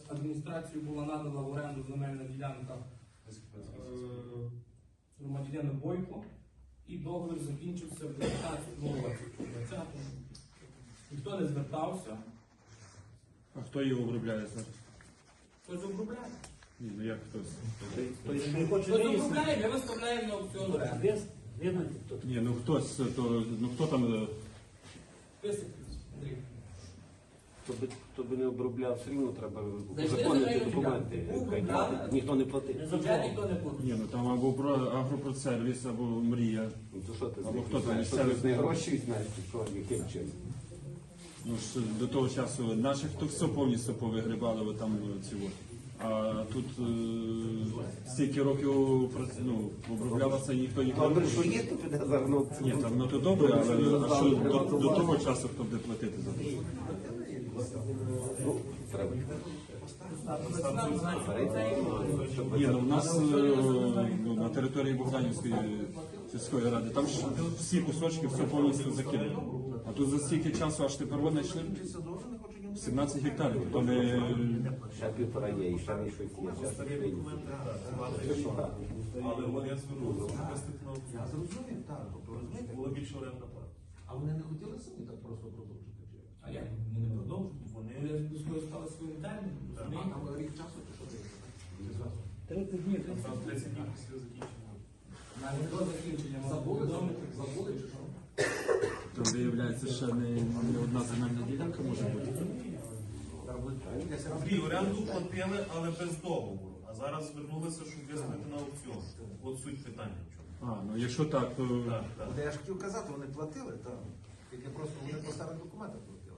адміністрацією була надана в оренду земельна ділянка громадянину Бойко, і договір закінчився в 19 році. Ніхто не звертався. А хто її обробляє зараз? Хтось обробляє. Ні, ну як хтось? Хтось обробляє, ми виставляємо на аукціон оренди. Ні, ну хтось, то, ну хто там? Висипець, Андрій. Хто би не обробляв, все рівно треба Зайшли узаконити земельну документи. ділянку. Обробляли. Ніхто не платить. Бюджет ніхто не платить. Ні, ну там або агропродсервіс, або мрія. Ну, то що ти Або хто там знаєш? Що ти місцевий? з них гроші візьмеш, чи що, яким чином? Ну ж до того часу наших то все повністю повигрібали, бо там цього. А тут стільки років оброблялося і ніхто ніколи Добре, не що є, то піде загнути. Ні, там ну то добре, але а що до того часу хто буде платити за це? Ну, треба. Ні, ну в нас на території Богданівської сільської ради, там ж всі кусочки все повністю закинули. А тут за стільки часу аж тепер вони йшли 17 гектарів. То не... Ще півтора є, і ще не щось є. Але вони звернулися, виступно Я зрозумів, так. Тобто, розумієте, була більша орендна плата. а вони не хотіли самі так просто продовжити? Чи? А як? Вони не продовжують. Вони Вони скористали своїм терміном. А розумієте? там рік часу чи що ти? Чи зразу? 30 днів. там 30 днів після закінчення. Навіть до закінчення мали Забули, повідомити. забули чи що? То виявляється, що не одна земельна ділянка може бути. Дві оренду платили, але без договору. А зараз звернулися, щоб виставити на аукціон. От суть питання в чому. А, ну якщо так, то Так, так. От я ж хотів казати, вони платили, так. Тільки просто вони по старих документах платили.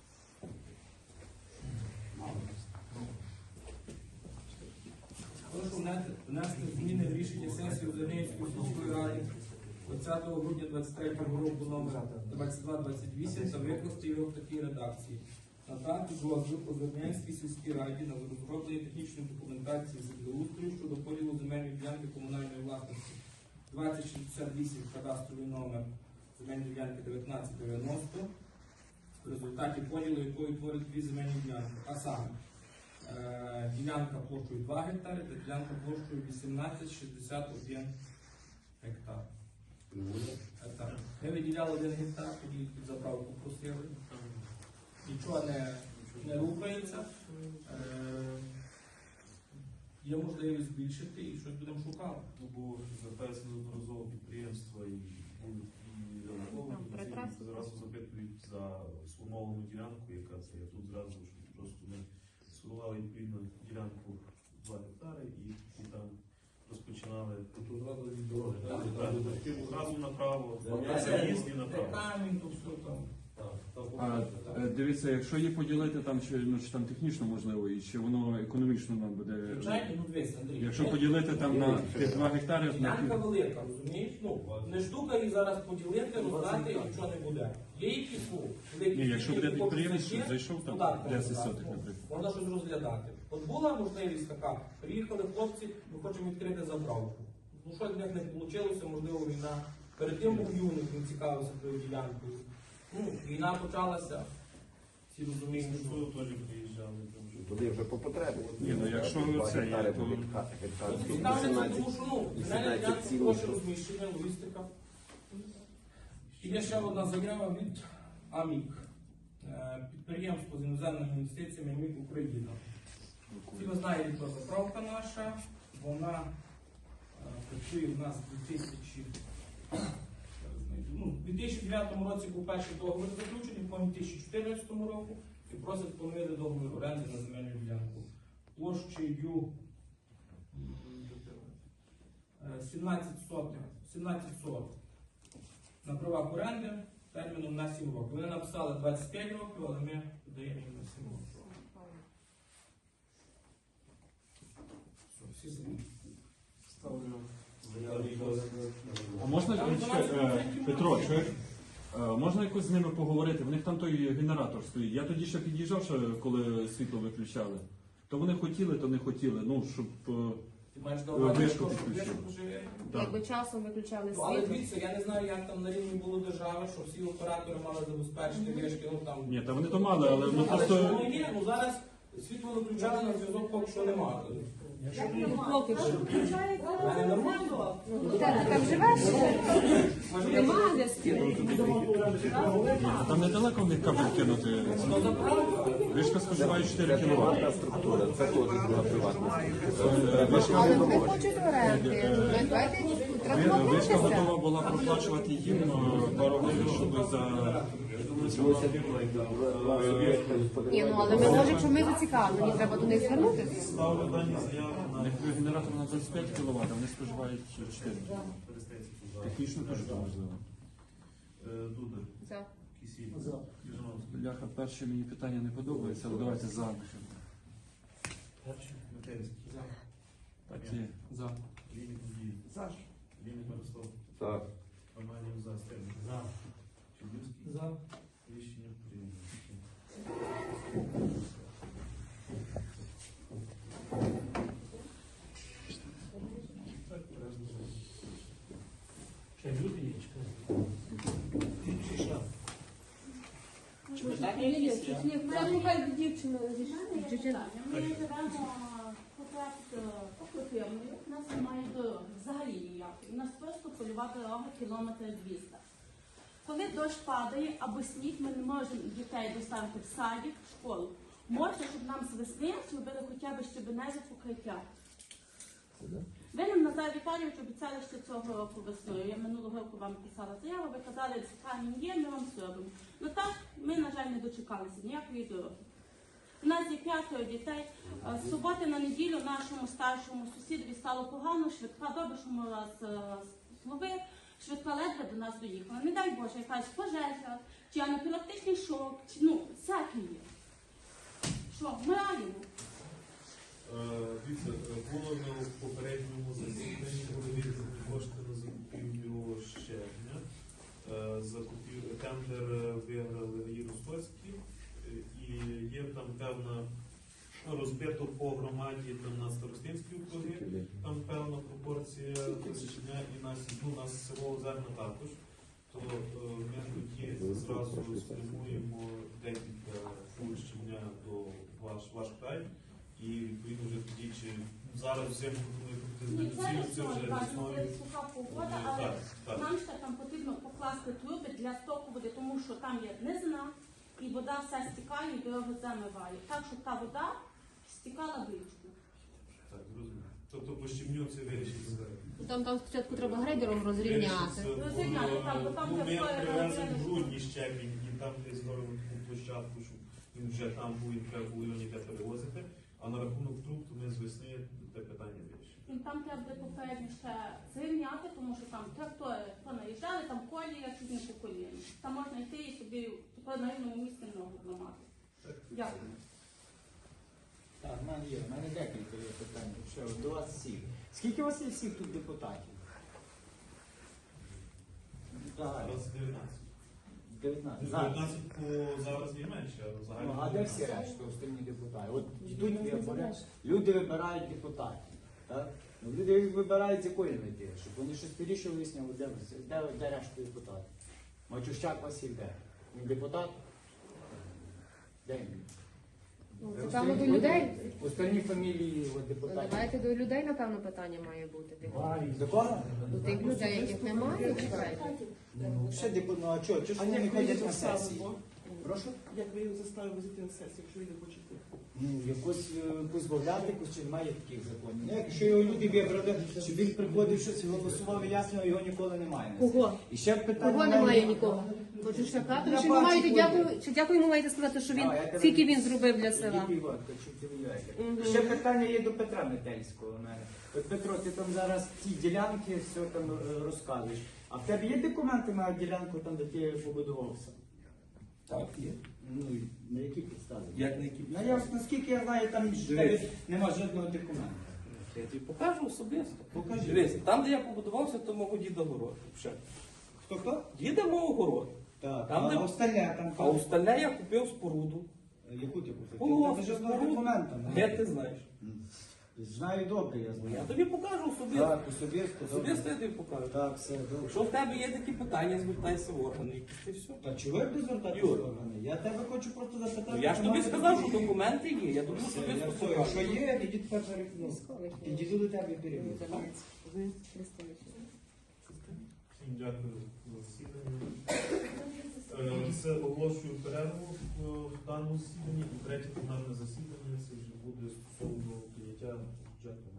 Прошу внести зміни в рішення сесії Узерненської сільської ради 20 грудня 23 року номер 2228 та викласти його в такій редакції. Надати дозвіл Узерненській сільській раді на розроблення технічної документації землеустрою щодо поділу земельної ділянки комунальної власності 2068 кадастровий номер земельної ділянки 1990, в результаті поділу якої творить дві земельні ділянки. А саме ділянка площею 2 гектари та ділянка площею 1861 гектар. Ми виділяли 1 гектар, тоді під заправку просили. Нічого не рухається. Є можливість збільшити і щось будемо шукати. Ну, бо звертаються неодноразово підприємства і зразу запитують за сформовану ділянку, яка це. Я тут зразу що просто ми сформували відповідну ділянку 2 гектари і там розпочинали зразу направо, заїзд і направо. Камінь, то все там. а, дивіться, якщо її поділити там, чи там технічно можливо, і чи воно економічно нам буде. Звичайно, ну дивись, Андрій. Якщо поділити там на 2 гектари, Ділянка велика, розумієш? Ну, не штука її зараз поділити, роздати і нічого не буде. Є якісь, великі... ні, якщо буде які підприємець, хочуть що зайшов там податки 10 роздати. сотих, наприклад. Можна щось розглядати. От була можливість така, приїхали хлопці, ми хочемо відкрити заправку. Ну що в них не вийшло, можливо, війна. Перед тим був юник, він цікавився тою ділянкою. Ну, війна почалася, всі розуміють, що... Ми теж приїжджали. там вже. Туди вже по потребі. Ні, ну якщо це є, то... Цікавиться, тому що, ну, земельна ділянка, гроші розміщення, логістика. І є ще одна заява від АМІК, підприємство з іноземними інвестиціями АМІК Україна. Всі ви знаєте, про заправка наша, вона працює в нас у 2009 році був перший договір заключений, по 2014 року, і просять поновити договір оренди на земельну ділянку. Площею 17 соток на правах оренди терміном на 7 років. Вони написали 25 років, але ми даємо їм на 7 років. Всі зміни. А можна, Петро, чуєш? Можна якось з ними поговорити? В них там той генератор стоїть. Я тоді ще під'їжджав, коли світло виключали. То вони хотіли, то не хотіли. Ну, щоб Ти маєш на увазі, вишку що підключили. вишку живе? Так. Якби часом виключали Ну, але світло. дивіться, я не знаю, як там на рівні було держави, що всі оператори мали забезпечити вишки. Ну, там... Ні, та вони то мали, але ну Але що просто... воно є? Ну, зараз Світло виключали, зв'язок поки що немає. Поки що. У мене нормально. Ти там живеш? Нема зв'язків. А там недалеко в них кабель кинути. Вишка споживає 4 кВт. Структура, це теж була приватна. Але вони хочуть оренди. Давайте треба Вишка домовитися. готова була проплачувати їм пару гривень, щоб за Ні, ну але ми можемо, якщо ми зацікавлені, треба до них звернутися. Ставлю дані заяви у на них генератор на 25 кВт, вони споживають 4. Перестецьку за Технічно теж це можливо. Дудар, За. Кисіль, Южановський, Бляха, перше мені питання не подобається, але давайте за. Матерський, Так є. За. Лінік Надій, Лінік Мирослав, Так. Романів за Стельник, Чудівський, За. рішення прийнято. Так, порядок. Це нехай дівчина Дівчина. Ми живемо по Кропивною, у нас немає дороги, взагалі ніякої. У нас просто польова дорога кілометр 200. Коли дощ падає або сніг, ми не можемо дітей доставити в садик, в школу. Можна, щоб нам з весни зробили хоча б щебеневе покриття. Ви нам, Назар Віталійович, обіцяли ще цього року весною. Я минулого року вам писала заяву, ви казали, що камінь є, ми вам зробимо. Ну так, ми, на жаль, не дочекалися ніякої дороги. У нас є 5 дітей. З суботи на неділю нашому старшому сусідові стало погано, швидка добре, що ми раз зловив, швидка ледве до нас доїхала. Не дай Боже, якась пожежа, чи анафілактичний шок, чи, ну, всяке є. Що, вмираємо. Дивіться, було на попередньому засіданні виділені кошти на закупівлю щебня. Тендер виграли Єрусольський, і є там певна розбито по громаді там на старостинській округі, там певна пропорція щебня, і нас село Озерна також. То ми тоді зразу спрямуємо декілька фур щебня до ваш край. І відповідно вже тоді, чи зараз взимку Ні, пропустити зараз це вже весною. суха погода, але Так. нам ще там потрібно покласти труби для стоку води, тому що там є низина, і вода вся стікає, і дорогу замиває. Так, щоб та вода стікала в річку. Так, зрозуміло. Тобто по щебню це вирішиться. Там спочатку треба грейдером розрівняти. Розрівняти, там, бо там Ми вже стояли привезли на в грудні щебінь, і там десь зробимо таку площадку, щоб він вже там був, і треба було його ніде перевозити. А на рахунок труб, то ми з весни те питання вирішимо. І там треба буде попередньо ще зрівняти, тому що там трактори понаїжджали, там колія чуть не по коліні. Там можна йти і собі на рівному місці ногу зламати. Дякую. Так, в мене декілька є питань. Ще до вас всіх. Скільки у вас є всіх тут депутатів? Загально. Зараз 19. 19. Зараз. 19 по зараз є менше, а Ну, загально. а де всі решта, остальні депутати? От йдуть вибори, люди вибирають депутатів. Так? Ну, люди вибирають з якої мети, щоб вони щось вирішили виясняли, де решта депутатів. Мачущак Василь де? Він депутат? Де він? Напевно, до людей. Остальні фамілії от, депутатів. Давайте до людей, напевно, питання має бути. До кого? До тих людей, яких немає, чекайте. Ну, ще ну а чого? Чого ж вони не ходять на сесії? Прошу? Як ви його заставили зайти на сесію, якщо він не хоче йти? Ну, якось позбавляти, якось чи немає таких законів. Ну, якщо його люди вибрали, щоб він приходив щось голосував, ясно, його ніколи немає. Кого? І ще питання. Кого немає нікого? Хочу сказати, Я чи ви маєте бачу, дякую, чи дякую йому маєте сказати, що він скільки він зробив для села? Ще питання є до Петра Метельського у мене. От Петро, ти там зараз ці ділянки все там розказуєш. А в тебе є документи на ділянку там, де ти побудувався? Так, є. Ну, на які підстави? Як на які? Ну, наскільки я знаю, там в тебе нема жодного документа. Я тобі покажу особисто. Покажи. Дивись, там, де я побудувався, то мого діда город. Хто? Діда мого город. Так, Там, де- а остальне там. А остальне я купив споруду. Яку ти купив? О, Ти жодного споруду. документа. Де ти знаєш? Знаю добре, я знаю. Я тобі покажу особисто. Так, особисто. добре. Особисто я тобі покажу. Так, все добре. Якщо в тебе є такі питання, звертайся в органи, якісь ти все. Та чого ви звертатися Юр. в органи? Я тебе хочу просто запитати. Ну, я ж тобі сказав, що документи є, я тобі Все, особисто все, покажу. якщо є, тоді тепер перекину. Підійду до тебе і перевірю. Всім дякую за засідання. Це оголошую перерву в даному засіданні. І третє пленарне засідання це вже буде стосовно прийняття бюджету.